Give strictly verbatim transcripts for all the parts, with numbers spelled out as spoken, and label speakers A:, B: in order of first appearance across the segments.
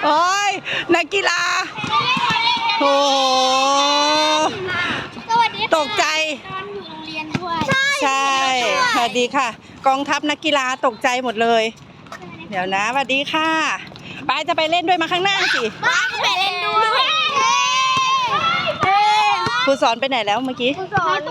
A: โอ้ยนักกีฬาโอ้ตกใจใช่สวัสดีค่ะกองทัพนักกีฬาตกใจหมดเลยเดี๋ยวนะสวัสดีค่ะปายจะไปเล่นด้วยมาข้างหน้าสิ
B: ป้าไปเล่นด้วย
A: ครูสอนไปไหนแล้วเมื่อกี้
B: ครูสอน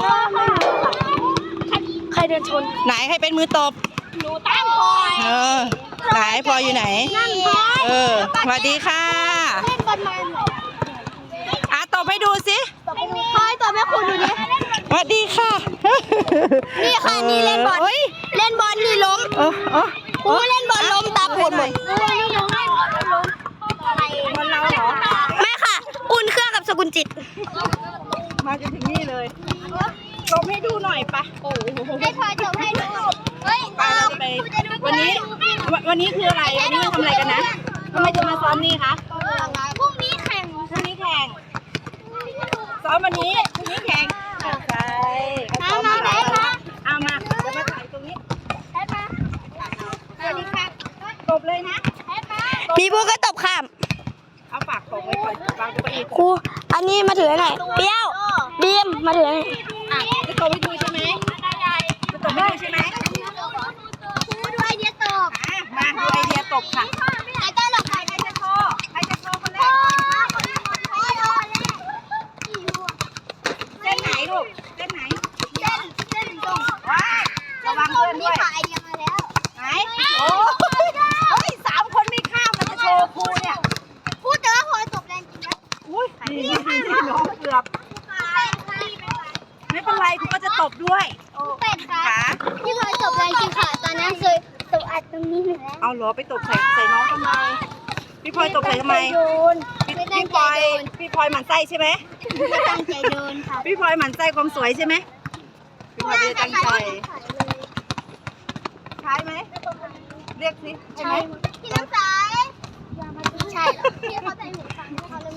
B: ใครเดินชน
A: ไหนใครเป็นมือตบ
B: หนูตั้งพลอย
A: เออไหนพลอยอยู่ไหนเออสวัสดีค่ะ
B: เล่นบอลมัน
A: อ่ะตบให้ดูสิ
B: พลอยตบให้คุณดูดิ
A: สวัสดีค่ะ
B: นี่ค่ะนี่เล่นบอลเล่นบอลนี่ล้ม
A: เออเออ
B: ครูเล่นบอลล้มตาปูดหมดนี่ล้มเล่นบอลล้ม
A: บอลเราเหรอ
B: ไม่ค่ะอุ่นเครื่องกับสกุลจิต
A: มาจนถึงนี่เลยตบให้ดูหน่อยปะโอ้โห
B: ให้พลอยตบให้ดูเฮ้ย
A: ไปเราจะไปวันนี้วันนี้คืออะไรวันนี้ทำอะไรกันนะทำไมจะมาซ้อมนี่คะ
B: พรุ่งนี้แข่ง
A: พรุ่งนี้แข่งซ้อมวันนี้พรุ่งนี้แข่งใช่
B: มามาไหนคะ
A: เอามาเดี๋ยวมาถ่ายตรงนี้
B: ให้มาสวัสดีค่ะ
A: ตบเลยนะ
B: ให้มามีผู้ก็ตบข้าม
A: เอาปากตบไว้ก่อนวางตัวเอง
B: ครูอันนี้มาถือไหนเปรี้ยวบีมมาถือไหน
A: อ่ะจะตบให้ดูใช่ไหมจะตบให้ดูใช่ไหม
B: ครูดูไอเดียตบ
A: มาดูไอเดียตบค่ะ
B: ใครต้อนรับใครจะโชว์
A: ใครจะโชว์คนแรกเส้นไหนลูกเส้นไหน
B: เส้นเส้นตรง
A: ว้าระวังเพื่อนด้วย
B: ไอเดียมาแล้ว
A: ไหนโอ้เฮ้ยสามคนไม่ข้ามมันจะโชว์ครูเนี่ย
B: พูดแต่ว่าพลอยตบแรงจริงนะ
A: อุ้ยนี่นี่น้องเกือบไม่เป็นไรครูก็จะตบด้วย
B: เป็ดค่ะพี่พลอยตบแรงจริงค่ะตอนนั้นเคยตบอัดตรงนี้หนึ่งแล้ว
A: เอาเหรอไปตบใส่ใส่น้องทำไมพี่พลอยตบใส่ทำไมพี่พี่พลอยพี่พลอยหมั่นไส้ใช่ไหม
B: ไม่ตั้งใจโดนค่ะ
A: พี่พลอยหมั่นไส้ความสวยใช่ไหมพี่พลอยไม่ได้ตั้งใจใช่ไหมเรียกสิใช่ไหม
B: พี่น้ำใสใช่พี่เขาใส่หูฟังเขาเลย